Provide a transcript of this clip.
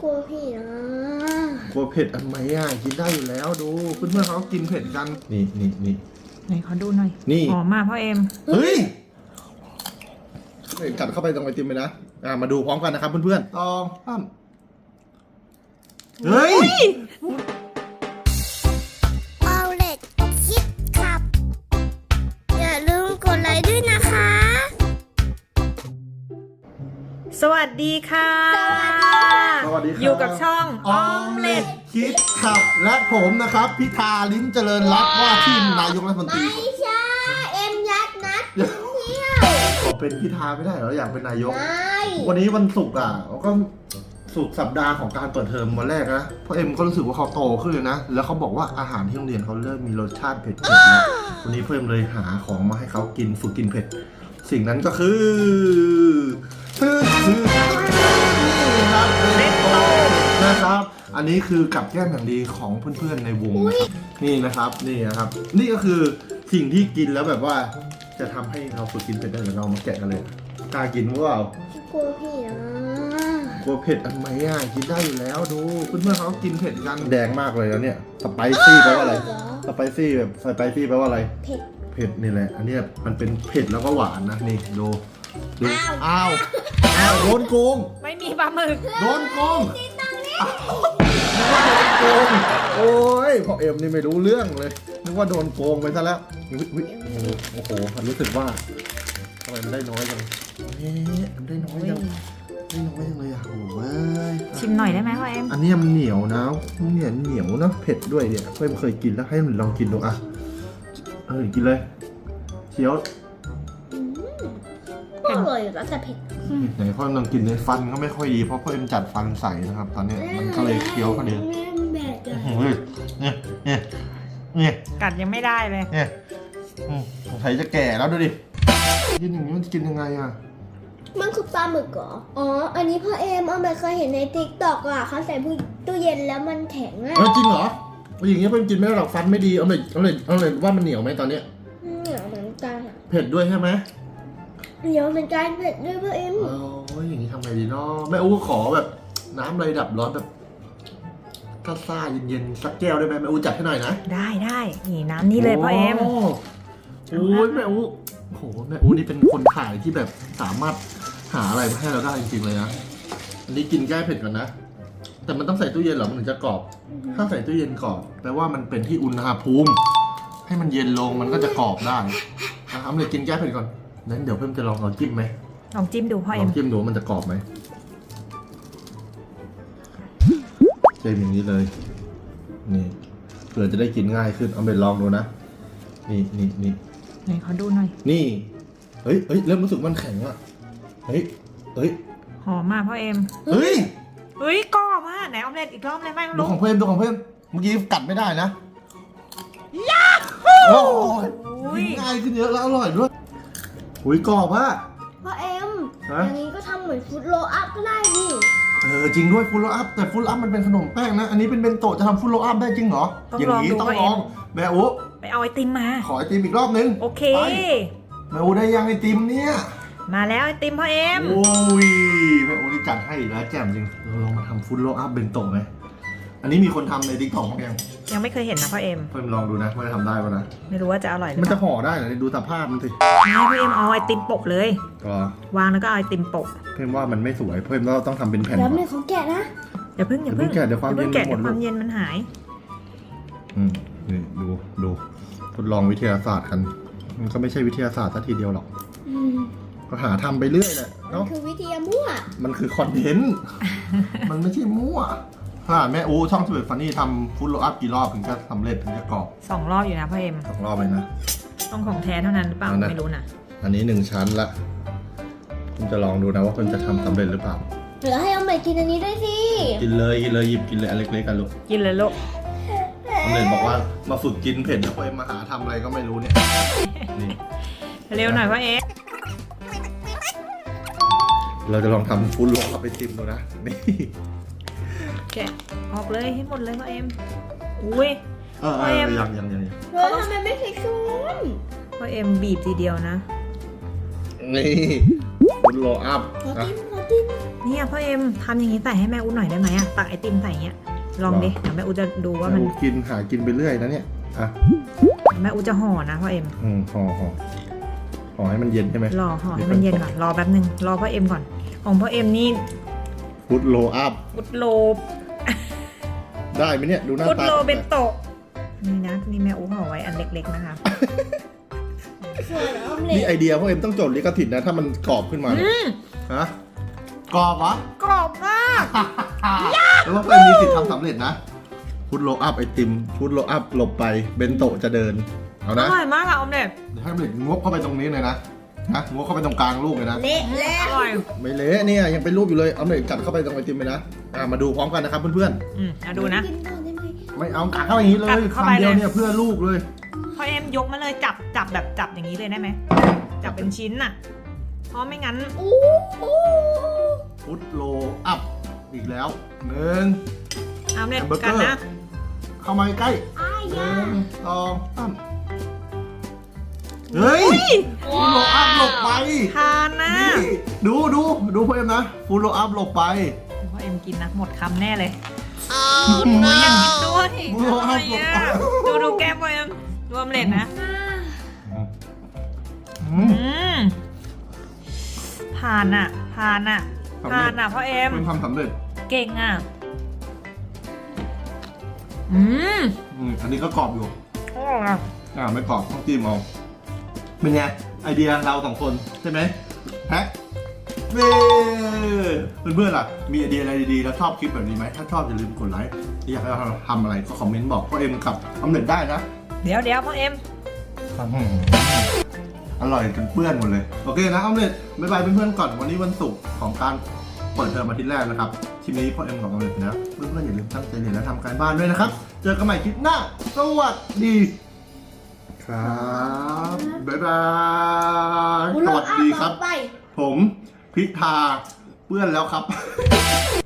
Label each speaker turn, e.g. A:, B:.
A: กลัวพี่นะ
B: กลัวเผ็ดอันไหมอ่ะกินได้อยู่แล้วดูเพื่อนๆเขากินเผ็ดกันนี่
C: ไหนขอดูหน่อย
B: นี่
C: หอมมากพ่อเอ็ม
B: เฮ้ยกัดเข้าไปตรงไอติมเลยนะมาดูพร้อมกันนะครับเพื่อนๆต้องเฮ้ย
A: เอาเล็ดคิดขับอย่าลืมกดไลค์ด้วยนะคะ
C: สวัสดีค่ะ
B: สวัสดีครับ
C: อยู่กับช่อง
B: ออมเล็ตคิดขับและผมนะครับพิธาลิ้มเจริญรัตน์ว่าที่นายกรัฐมนตรี
A: ไม่ใช่เอ็มยัดนัดเที่ยว
B: ขอเป็นพิธาไม่ได้เหรออยากเป็นนายกวันนี้วันศุกร์ก็สุดสัปดาห์ของการเปิดเทอมวันแรกนะเพราะเอ็มก็รู้สึกว่าเขาโตขึ้นเลยนะแล้วเขาบอกว่าอาหารที่โรงเรียนเขาเริ่มมีรสชาติเผ็ดๆนะวันนี้เพิ่มเลยหาของมาให้เขากินฝึกกินเผ็ดสิ่งนั้นก็คือครับนะครับอันนี้คือกับแก้มอย่างดีของเพื่อนๆในวงนะครับนี่นะครับนี่ก็คือสิ่งที่กินแล้วแบบว่าจะทำให้เราฝึกกินเผ็ดได้เรามาแกะกันเลยกล้ากินว่าก
A: ลัวพี่นะ
B: กลัวเผ็ดอันไหมอ่ะกินได้อยู่แล้วดูเพื่อนๆเขากินเผ็ดกันแดงมากเลยแล้วเนี่ยสไปซี่แปลว่าอะไรสไปซี่แบบสไปซี่แปลว่าอะไรเผ็ดนี่แหละอันนี้มันเป็นเผ็ดแล้วก็หวานนะนี่ดูอ้าวโดนโกง
C: ไม่มีปลาหมึก
B: โดนโกงโอ้ยพ่อเอ็มนี่ไม่รู้เรื่องเลยนึกว่าโดนโกงไปซะแล้วโอ้โหรู้สึกว่าทำไมมันได้น้อยจังมันได้น้อยจังเลยอ่ะโอ้ย
C: ชิมหน่อยได้ไหมพ่อเอ็ม
B: อันนี้มันเหนียวนะเหนียวนะเผ็ดด้วยเนี่ยเพื่อนเคยกินแล้วให้มันลองกินดูกินเลยเคี้ยว
A: อร่อยแล้วแต่เผ็ด
B: ไหนพ่อลองกินในฟันก็ไม่ค่อยดีเพราะพ่อเอ็มจัดฟันใส่นะครับตอนนี้มันก็เลยเคี้ยวก็เดียวเนี่ย
C: กัดยังไม่ได้เลย
B: เนี่ยสงสัยจะแก่แล้วดูดิกินอย่างนี้มันกินยังไงอ่ะ
A: มันคือปลาหมึกเหรออ๋ออันนี้พ่อเอ็มไม่เคยเห็นในติ๊กต็อกอ่ะเขาใส่ตู้เย็นแล้วมันแข็งอ่ะ
B: จริงเหรออย่างนี้เพิ่งกินไม่ได้หรอกฟันไม่ดีเอาเลยว่ามันเหนียวไหมตอนเนี้ย
A: เหนียวเหมือนกัน
B: เผ็ดด้วยใช่ไหม
A: เหนียวเหมือนกันเผ็ดด้วยพ่อเอ็ม
B: อย่างนี้ทำไงดีเนาะแม่อู้ขอแบบน้ำอะไรดับร้อนแบบซ่าเย็นๆสักแก้วได้ไหมแม่อู้จัดให้หน่อยนะ
C: ได้นี่น้ำนี่เลยพ่อเอ็ม
B: โอ้ยแม่อู้โหแม่อู้นี่เป็นคนขายที่แบบสามารถหาอะไรมาให้เราได้จริงๆเลยนะอันนี้กินแก้เผ็ดก่อนนะแต่มันต้องใส่ตู้เย็นหรอมันถึงจะกรอบถ้าใส่ตู้เย็นกรอบแปลว่ามันเป็นที่อุณหภูมิให้มันเย็นลงมันก็จะกรอบได้ทำเลยกินแก้เผ็ดก่อนนั้นเดี๋ยวเพิ่มจะลองจิ้มไหม
C: ลองจิ้มดูพ่อเอ็ม
B: ลองจิ้มดูมันจะกรอบไหมเจมอย่างนี้เลยนี่เผื่อจะได้กินง่ายขึ้นเอาไปลองดูนะนี่
C: ไหนขอดูหน่อย
B: นี่เฮ้ยเริ่มรู้สึกมันแข็งอ่ะเฮ้ย
C: หอมมากพ่อเอ็ม
B: เฮ้ย
C: กรอบมากไหนออมเล็ตอีกรอบเลยไหม
B: ดูของเพิ่มเมื่อกี้กัดไม่ได้นะโอ้ยง่ายขึ้นเยอะแล้วอร่อยด้วยกรอบอะ
A: พ่อเอ็มอันนี้ก็ทำเหมือนฟุตโรอัพก็ได้ดิ
B: จริงด้วยฟุตโรอัพแต่ฟุตโรอัพมันเป็นขนมแป้งนะอันนี้เป็นเบนโตะจะทำฟุตโรอัพได้จริงเหรออย่างนี้ต้องลองแม่อุ๊
C: ไปเอาไอติมมา
B: ขอไอติมอีกรอบนึง
C: โอเค
B: แม่อุ๊ได้ยังไอติมเนี่ย
C: มาแล้วไอติมพ่อเอ็ม
B: โอ้ยแม่อุ๊นี่จัดให้แล้วแจ่มจริงเราลองมาทำฟุตโรอัพเบนโตะไหมอันนี้มีคนทำในติ๊กต็อกมั้ง
C: ยังไม่เคยเห็นนะพ่อเอ็ม
B: เพิ่มลองดูนะว่าจะทำได้ป่ะนะ
C: ไม่รู้ว่าจะอร่อยหรือ
B: มันจะห่อได้เหรอดูสภาพมันสิ
C: พ่อเอ็มเอาไอติมโปะเลย
B: ว
C: างแล้วก็เอาไอติมโปะ
B: เพิ่มว่ามันไม่สวยเพิ่มเราต้องทำเป็นแผ่น
A: แล้วไม่เขาแกะนะ
C: อย่าเพิ่ง
B: แกะเดี๋ยวความเย็น
C: หมดความเย็นมันหาย
B: นี่ดูทดลองวิทยาศาสตร์กันมันก็ไม่ใช่วิทยาศาสตร์ซะทีเดียวหรอกก็หาทำไปเรื่อยแหละ
A: เนาะคือวิทยามั่ว
B: มันคือคอนเทนต์มันไม่ใช่มั่วแม่อูช่องสเปซฟันนี่ทำฟุตโรอัพกี่รอบถึงจะสำเร็จถึงจะกรอบ
C: 2 รอบอยู่นะพ่อเอ็ม
B: 2 รอบเลยนะ
C: ต้องของแท้เท่านั้นหรือเปล่าไม่รู้นะ
B: อันนี้1 ชั้นละคุณจะลองดูนะว่าคุณจะทำสำเร็จหรือเปล่า
A: เหลือให้เอาใหม่กินอันนี้ด้วยสิ
B: กินเลยหยิบกินเลยอันเล็กๆกันลูก
C: กินเลยลูก
B: สำเร็จบอกว่ามาฝึกกินเผ็ดแล้วไปมาหาทำอะไรก็ไม่รู้เนี่ย
C: เร็วหน่อยพ่อเอ็ม
B: เราจะลองทำฟุตโรอัพไปชิมดูนะนี่
C: แกะออกเลยให้หมดเลยพ่อเอ็มอุ้ย
B: พ่อเอ็มยัง
A: เราทำไมไม่ใส่ช้อน
C: พ่อเอ็มบีบทีเดียวนะ
B: นี่ฟุตโรอัพ
A: ขอติม
C: เนี่ยพ่อเอ็มทำอย่างนี้ใส่ให้แม่อูหน่อยได้ไหมอะตักไอติมใส่อย่างเงี้ยลองดิเดี๋ยวแม่อูจะดูว่ามัน
B: แม่อูกินหากินไปเรื่อยนะเนี่ยอ่ะ
C: แม่อูจะห่อนะพ่อเอ็ม
B: ห่อให้มันเย็นใช่ไหม
C: รอห่อให้มันเย็นก่อนรอแป๊บนึงรอพ่อเอ็มก่อนของพ่อเอ็มนี่
B: ฟุตโลอัพ
C: ฟุตโล
B: ได้ไหมเนี่ยดูหน้า
C: ฟุต
B: ตา
C: โลเบนโตะนี่นะนี่แม่อูห่อไว้อันเล็กๆนะคะ
A: ส่วนออมเล็
B: นี่
A: ต
B: ไอเดียพวกเอ็มต้องจดลิขสิทธิ์นะถ้ามันกรอบขึ้นมาเนี่ยฮะกรอบเหรอก
C: รอบมาก
B: แล้วว่าเอ็มมีสิทธิ์ทำสำเร็จนะฟุตโลอัพไอติมฟุตโลอัพหลบไปเบนโตะจะเดินเอา
C: อ
B: นะ
C: ร่อยมากอะออมเล็ต
B: เดี๋ยวให้ออมเล็ตงบเข้าไปตรงนี้เลยนะงบเข้าไปตรงกลางลูกเลยนะ
A: เละแล้ว
C: อร่อย
B: ไม่เละเนี่ยยังเป็นรูปอยู่เลยเอาเล็ตกัดเข้าไปตรงไอติมเลยนะมาดูพร้อมกันนะครับเพื่อน
C: ดูนะ
A: กินต่อได้ไหม
B: ๆไม่เอากัดเข้าไปอย่างนี้เลย
C: กัดเข้าไป
B: คำเดียว
C: เลย
B: เนี่ยเพื่อลูกเลย
C: พ่อเอ็มยกมาเลยจับแบบจับอย่างนี้เลยได้ไหมจับเป็นชิ้นน่ะเพราะไม่งั้น
A: อู้หู
B: ฟุตโลอัพอีกแล้วหนึ่ง
C: ออมเล็ต
B: แฮมเบอร์เก
C: กั
B: อน ร์
C: นะ
B: เข้ามาใกล้
A: อ้าย
B: ห
A: ยา
B: นึ่งสองสามเฮ้ยฟูโรอัพหลบไป
C: ทานนะ
B: นี่ดูพ่อเอ็มนะฟูโรอัพหลบไป
C: พ่อเอ็มกินนะหมดคำแน่เลยหนูอยากกินด้วย
B: ฟูโรอัพหลบไป
C: ดูแก้มพ่อเอ็มรวมเล็ดนะ
B: อืม
C: ผ่านอ่ะพ่อเอ็ม
B: เป็นความสำเร็จ
C: เก่งอ่ะ
B: อันนี้ก็กรอบอยู่
C: อร่อยอ่ะ
B: ไม่กรอบต้องจิ้มเอาเป็นไงไอเดียเราสองคนใช่ไหมแพ็คเพื่อนๆล่ะมีไอเดียอะไรดีๆแล้วชอบคลิปแบบนี้ไหมถ้าชอบอย่าลืมกดไลค์อยากให้เราทำอะไรก็คอมเมนต์บอกพ่อเอ็มกับสำเร็จได้นะ
C: เดี๋ยวพ่อเอ็ม
B: อร่อยจนเปื้อนหมดเลยโอเคนะออมเล็ตบ๊ายบายเพื่อนๆก่อนวันนี้วันศุกร์ของการเปิดเทอมอาทิตย์แรกนะครับคลิปนี้พ่อเอ็มกับออมเล็ตนะเพื่อนๆอย่าลืมตั้งใจเรียนและทำการบ้านด้วยนะครับเจอกันใหม่คลิปหน้าสวัสดีครับบ๊ายบายสวัสดีครับ
A: ไป
B: ผมพิธาเปื้อนแล้วครับ